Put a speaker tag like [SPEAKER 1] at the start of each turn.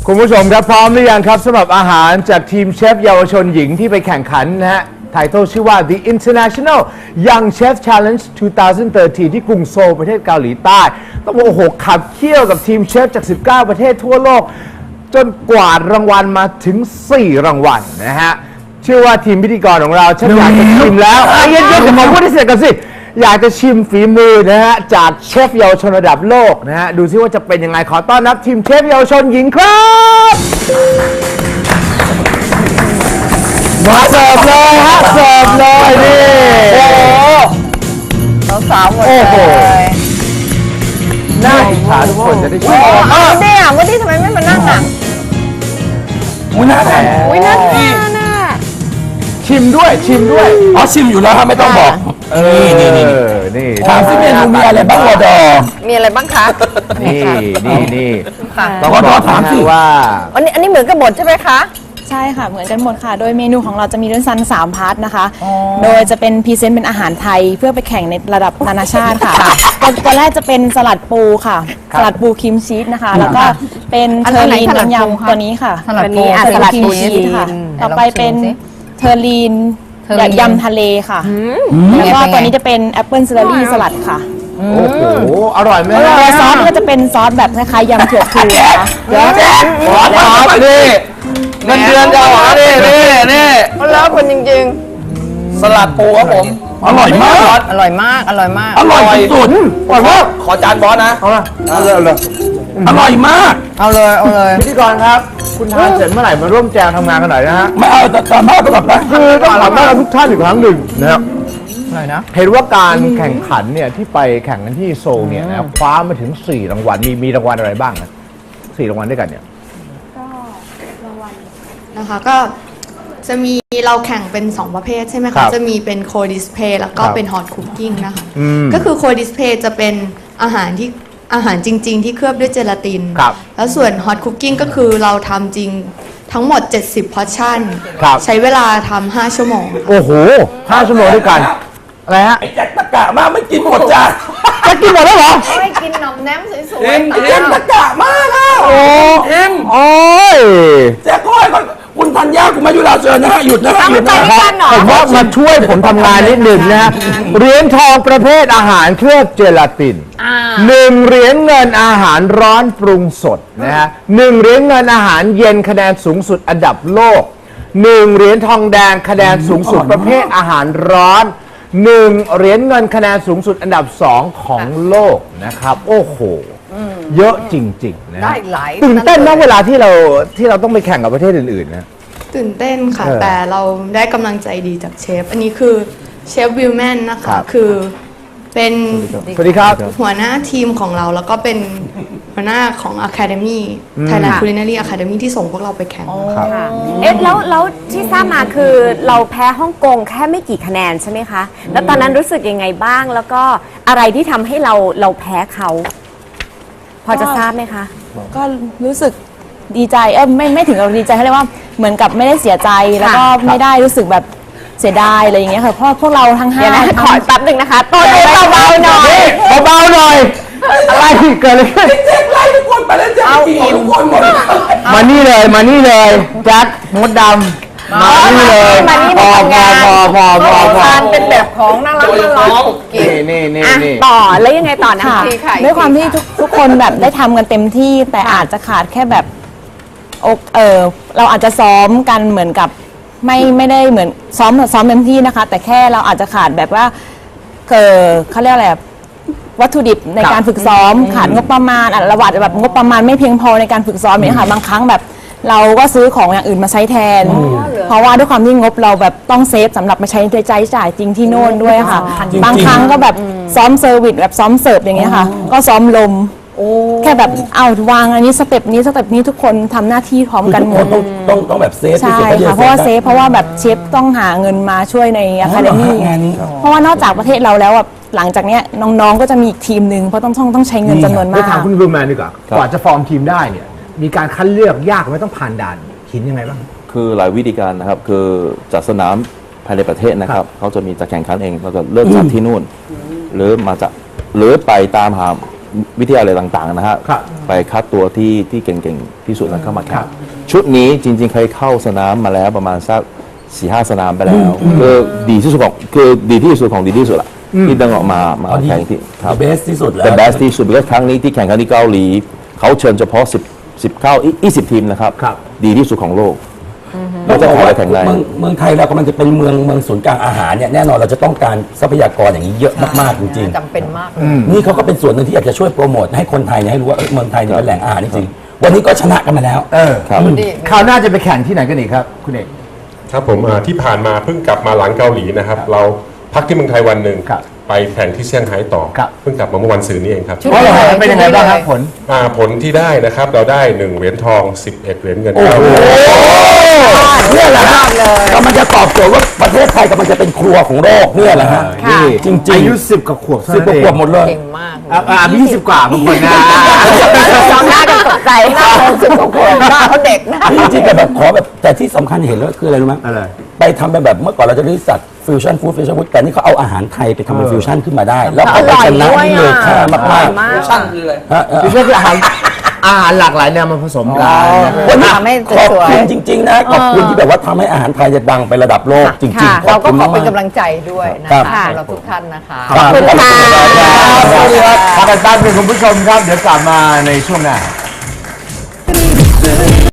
[SPEAKER 1] คุณผู้ชมครับพร้อมหรือยังครับสำหรับอาหารจากทีมเชฟเยาวชนหญิงที่ไปแข่งขันนะฮะไททอลชื่อว่า The International Young Chef Challenge 2013 ที่กรุงโซลประเทศเกาหลีใต้ต้องบอกโอ้โหขับเคี่ยวกับทีมเชฟจาก 19 ประเทศทั่วโลกจนกวาดรางวัลมาถึง 4 รางวัลนะฮะเชื่อว่าทีมพิธีกรของเราฉันอยากจะชิมแล้วเย็นๆเดี๋ยวผมพูดให้เสร็จกันสิอยากจะชิมฝีมือนะฮะจากเชฟเยาวชนระดับโลกนะฮะดูซิว่าจะเป็นยังไงขอต้อนรับทีมเชฟเยาวชนหญิงครับมาเสิร์ฟเลยฮะเสิร์ฟเลยนี่โอ้โห
[SPEAKER 2] สาวหมดเลย
[SPEAKER 1] น่าอิจฉาทุกคนจะได้ชิม
[SPEAKER 2] เนี่ยวันนี้ทำไมไม่มานั่งอ่ะ
[SPEAKER 3] อุ้ยน่าทาน
[SPEAKER 2] อุ้ยน่าทานน่ะ
[SPEAKER 1] ชิมด้วย
[SPEAKER 3] อ๋อชิมอยู่แล้วครับไม่ต้องบอกนี่ถามซิเมนูมีอะไรบ้างวอดอ
[SPEAKER 2] มีอะไรบ้างคะ
[SPEAKER 1] นี่
[SPEAKER 2] ค่ะ
[SPEAKER 1] ต้องบอกถามสิว่า
[SPEAKER 2] อันนี้เหมือนกับหมดใช่ไหมคะ
[SPEAKER 4] ใช่ค่ะเหมือนกันหมดค่ะโดยเมนูของเราจะมีด้วยกัน3 พาร์ทนะคะโดยจะเป็นพรีเซนต์เป็นอาหารไทยเพื่อไปแข่งในระดับนานาชาติค่ะตัวแรกจะเป็นสลัดปูค่ะสลัดปูครีมชีสนะคะแล้วก็เป็นเทอร์ลีนน้ำยำตัวนี้ค่ะ
[SPEAKER 2] สลัดปู
[SPEAKER 4] สลัดครีมชีสค่ะต่อไปเป็นเทอร์ลีนยำทะเลค่ะแล้วก็ตัวนี้จะเป็นแอปเปิลซิลลารี่สลัดค่ะ
[SPEAKER 1] โอ้โหอร่อยไหม
[SPEAKER 4] ตัวซอสก็จะเป็นซอสแบบคล้ายๆยำเถื่อนฟูนะคะ
[SPEAKER 1] เดี๋ยวขอตอบดิเงินเดือนจะหรอนี่
[SPEAKER 2] แล้วคนจริง
[SPEAKER 1] สลัดปูครับผม
[SPEAKER 3] อร่อยมาก
[SPEAKER 2] ๆ อร่อยมาก อร่อยมาก
[SPEAKER 3] อร่อยสุด
[SPEAKER 1] อร่อยมากขอจานบอสนะเอาเลย
[SPEAKER 3] อร่อยมาก
[SPEAKER 2] เอาเลย
[SPEAKER 1] พิธีกรครับ คุณทานเสร็จเมื่อไหร่มาร่วมแจงทำงานกันหน่อยนะฮะ
[SPEAKER 3] ไม่เอาแต่ตอนมากก็แบบนะ
[SPEAKER 1] คือต้องขอบคุณทุกท่านอีกครั้งหนึ่งนะครับ
[SPEAKER 2] อะไรนะ
[SPEAKER 1] เห็นว่าการแข่งขันเนี่ยที่ไปแข่งกันที่โซลเนี่ยนะคว้ามาถึง4 รางวัลมีรางวัลอะไรบ้างนะ4 รางวัลด้วยกันเนี่ย
[SPEAKER 5] นะคะก็จะมีเราแข่งเป็น 2 ประเภทใช่ไหม
[SPEAKER 1] ครั
[SPEAKER 5] คะ
[SPEAKER 1] บ
[SPEAKER 5] จะมีเป็นโคดิสเพย์แล้วก็
[SPEAKER 1] ครับ
[SPEAKER 5] เป็นฮอตคุกกิ้งนะคะ
[SPEAKER 1] อืม
[SPEAKER 5] ก็คือโคดิสเพย์จะเป็นอาหารจริง ๆ ที่เคลือบด้วยเจลาติน
[SPEAKER 1] ครับ
[SPEAKER 5] แล้วส่วนฮอตคุกกิ้งก็คือเราทำจริงทั้งหมด 70 พอร์ชั่น
[SPEAKER 1] ครับ
[SPEAKER 5] ใช้เวลาทำ5 ชั่วโมงค่ะ
[SPEAKER 1] โอ้โห5 ชั่วโมงด้วยกันอะไรฮะ
[SPEAKER 3] ไอ้แจ็คตะกะมากไม่กินหมดจาน
[SPEAKER 1] จะกินหมดแล้วเหรอ
[SPEAKER 2] ไม่กินหน่อมแนมสวย
[SPEAKER 3] เอ็มแจ็คตะกะมากอ่ะโอ้เอ็ม
[SPEAKER 1] โอ้ย
[SPEAKER 3] แจ็คก้อยก่อนคุณธัญญาคุณมายุราเชิญนะฮะหยุดนะฮะหยุดนะ
[SPEAKER 1] ค
[SPEAKER 3] ฮะ
[SPEAKER 1] รับผมว่ามาช่วยผมทำงานนิดหนึ่งนะฮะเหรียญทองประเภทอาหารเคลือบเจลาติน1 เหรียญเงินอาหารร้อนปรุงสดนะฮะ1 เหรียญเงินอาหารเย็นคะแนนสูงสุดอันดับโลก1 เหรียญทองแดงคะแนนสูงสุดประเภทอาหารร้อน1 เหรียญเงินคะแนนสูงสุดอันดับ2ของโลกนะครับโอ้โหเยอะจริงๆนะ
[SPEAKER 2] ๆได้หลาย
[SPEAKER 1] ตื่นเต้นนะเวลาที่เราต้องไปแข่งกับประเทศอื่นๆนะ
[SPEAKER 5] ตื่นเต้นค่ะ
[SPEAKER 1] เออ
[SPEAKER 5] แต่เราได้กำลังใจดีจากเชฟ อันนี้คือเชฟวิลแมนนะ
[SPEAKER 1] ครั
[SPEAKER 5] คะ
[SPEAKER 1] บ
[SPEAKER 5] คือเป็น
[SPEAKER 1] สวัสดีครับ
[SPEAKER 5] หัวหน้าทีมของเราแล้วก็เป็นหัวหน้าของ Academy Thailand Culinary Academy ที่ส่งพวกเราไปแข่ง
[SPEAKER 1] ครับ
[SPEAKER 6] เอ๊ะแล้วที่ทราบมาคือเราแพ้ฮ่องกงแค่ไม่กี่คะแนนใช่ไหมคะ แล้วตอนนั้นรู้สึกยังไงบ้าง แล้วก็อะไรที่ทำให้เราแพ้เขา พอจะทราบไหมคะ
[SPEAKER 4] ก็รู้สึกดีใจไม่ถึงกับดีใจเขาเรียกว่าเหมือนกับไม่ได้เสียใจแล้วก็ไม่ได้รู้สึกแบบเสียดายอะไรอย่างเงี้ยค่ะเพราะพวกเราทั้ง
[SPEAKER 6] เดี๋ยวนะ
[SPEAKER 4] 5
[SPEAKER 6] ขอแป๊บหนึ่งนะคะโต้เบาๆหน่อย
[SPEAKER 1] เบาๆหน่อย อะไรเกิดอะไรขึ้น
[SPEAKER 3] แจ็คไล่ทุกคนไปแล้วแจ็คกินหมดทุกคนหมด
[SPEAKER 1] มานี่เลยแจ็คมดดำมานี่เลย
[SPEAKER 6] มานี่
[SPEAKER 1] พ
[SPEAKER 6] มา
[SPEAKER 1] อ
[SPEAKER 6] ทำงาน
[SPEAKER 2] ทานเป็นแบบของน่ารักกุ๊กกิ๊ก
[SPEAKER 1] นี่
[SPEAKER 6] อ่ะต่อแล้วยังไงต่อนะ
[SPEAKER 4] ค่ะ
[SPEAKER 6] คะ
[SPEAKER 2] ค่ะ
[SPEAKER 4] ด้วยความที่ทุกคนแบบได้ทำกันเต็มที่แต่อาจจะขาดแค่แบบเราอาจจะซ้อมกันเหมือนกับไม่ได้เหมือนซ้อมเต็มที่นะคะ แต่แค่เราอาจจะขาดแบบว่าเขาเรียกอะไรอะวัตถุดิบในการฝึกซ้อมขาดงบประมาณเราอาจจะแบบงบประมาณไม่เพียงพอในการฝึกซ้อมเนี่ยค่ะบางครั้งแบบเราก็ซื้อของอย่างอื่นมาใช้แทน เพราะว่าด้วยความที่งบเราแบบต้องเซฟสำหรับมาใช้จ่ายจริงที่โน่นด้วยค่ะ บางครั้งก็แบบซ้อมเซอร์วิสแบบซ้อมเสิร์ฟอย่างเงี้ยค่ะ ก็ซ้อมลมแค่แบบเอาวางอันนี้สเต็ปนี้ทุกคนทำหน้าที่พร้อมกันหมด
[SPEAKER 3] ต้องแบบเซฟที่
[SPEAKER 4] ใช่
[SPEAKER 3] สุด
[SPEAKER 4] ค่ะเพราะว่าเซฟเพราะว่าแบบเชฟต้องหาเงินมาช่วยในอะคาเดมี่
[SPEAKER 3] งานนี้
[SPEAKER 4] เพราะว่านอกจากประเทศเราแล้วแบบหลังจากเนี้ยน้องๆก็จะมีอีกทีมหนึ่งเพราะต้องใช้เงินจำนวน
[SPEAKER 1] ไป
[SPEAKER 4] มาก
[SPEAKER 1] ถามคุณรูแมนดีกว่ากว่าจะฟอร์มทีมได้เนี่ยมีการคัดเลือกยากไหมต้องผ่านด่านหินยังไงบ้าง
[SPEAKER 7] คือหลายวิธีการนะครับ คือจัดสนามภายในประเทศนะครับ เขาจะมีจัดแข่งขันเองเราจะเลือกจัดที่นู่น หรือไปตามหาวิทยาลัยต่างๆนะฮะ
[SPEAKER 1] ครับ
[SPEAKER 7] ไปคัดตัวที่เก่งๆที่สุดแล้วเข้ามาแข่งชุดนี้จริงๆเคยเข้าสนามมาแล้วประมาณสัก4-5 สนามไปแล้วคือดีที่สุดของดีที่สุดของดีที่สุดละที่ดึงออกมาแข่งที่ครับ
[SPEAKER 3] เบสที่สุดแล้ว
[SPEAKER 7] เป็น best ที่สุดเพราะครั้งนี้ที่แข่งขันที่เกาหลีเขาเชิญเฉพาะ20 ทีมนะครับ
[SPEAKER 1] ครับ
[SPEAKER 7] ดีที่สุดของโลก
[SPEAKER 3] เรา
[SPEAKER 7] เรา
[SPEAKER 3] จะ
[SPEAKER 7] จะ
[SPEAKER 3] บอก
[SPEAKER 7] ขอ
[SPEAKER 3] ว่า
[SPEAKER 7] ไปแข่งได้
[SPEAKER 3] เมืองไทยเรากำลังจะเป็นเมืองศูนย์กลางอาหารเนี่ยแน่นอนเราจะต้องการทรัพยากรอย่างนี้เยอะมากๆจริง
[SPEAKER 2] จำเป็นมาก
[SPEAKER 3] ๆนี่เขาก็เป็นส่วนหนึ่งที่อยากจะช่วยโปรโมทให้คนไทยเนี่ยให้รู้ว่าเมืองไทยเนี่ยเป็นแหล่งอาหารจริงๆวันนี้ก็ชนะกันมาแล้ว
[SPEAKER 7] ครับ
[SPEAKER 1] คราวหน้าจะไปแข่งที่ไหนกันอีกครับ คุณเอก
[SPEAKER 8] ครับผมที่ผ่านมาเพิ่งกลับมาหลังเกาหลีนะครับ เราพักที่เมืองไทยวันหนึ่ง
[SPEAKER 1] ครับ
[SPEAKER 8] ไปแข่งที่เซี่ยงไฮ้ต่อ
[SPEAKER 1] ครับ
[SPEAKER 8] เพิ่งกลับมาเมื่อวันศุกร์นี้เองครับ
[SPEAKER 1] เพราะอะไรเป็นยังไงบ้างครับผล
[SPEAKER 8] ผลที่ได้นะครับเราได้1เหรียญทอง 11 เหรียญเงิน
[SPEAKER 3] เนี่ยแหละฮะกำลังจะตอบโจทย์ว่าประเทศไทยกำลังจะเป็นครัวของโลกเนี่ยแหละฮะ
[SPEAKER 1] นี่
[SPEAKER 3] จริงๆ
[SPEAKER 1] อายุ10 กว่าขวบเท่า
[SPEAKER 3] สิบ
[SPEAKER 1] นั้น
[SPEAKER 3] กว่า
[SPEAKER 1] เอง
[SPEAKER 3] ขวบหมดเลย
[SPEAKER 2] เก่งมาก
[SPEAKER 1] มี20 กว่าบางคนนะ
[SPEAKER 6] จองหน้ากันตกใจ
[SPEAKER 2] หน้าเขาเด็กนะ
[SPEAKER 3] จริงๆแต่แบบขอแบบแต่ที่สำคัญเห็นแล้วคืออะไรรู้ไหม
[SPEAKER 1] อะไร
[SPEAKER 3] ไปทำเป็นแบบเมื่อก่อนเราจะได้สัตว์ฟิวชั่นฟู้ดแต่นี่เขาเอาอาหารไทยไปทำเป็นฟิวชั่นขึ้นมาได้ แล้วเขาไปชนะนี่เลยค่ามากๆ
[SPEAKER 2] มาก
[SPEAKER 1] คือก็คืออาหารหลากหลายแนวมาผสมกันนะ
[SPEAKER 3] วันนี้
[SPEAKER 2] ทำให้
[SPEAKER 3] ขอบ
[SPEAKER 2] สวย
[SPEAKER 3] คุณจริง ๆ นะขอบคุณที่แบบว่าทำให้อาหารไทยจะดังไประดับโลกจริง
[SPEAKER 6] ค่ะ
[SPEAKER 3] ๆ
[SPEAKER 2] เราก็ขอ
[SPEAKER 3] ม
[SPEAKER 2] เป็น
[SPEAKER 3] ๆ
[SPEAKER 2] กำลังใจด้วยนะ
[SPEAKER 3] ครั
[SPEAKER 2] คะ
[SPEAKER 3] บ
[SPEAKER 2] สำหรับทุกท่านนะคะ
[SPEAKER 3] ขอบคุณค่ะ
[SPEAKER 1] สวัสดีครับพักกันแป๊บนึงคุณผู้ชมครับ เดี๋ยวกลับมาในช่วงหน้า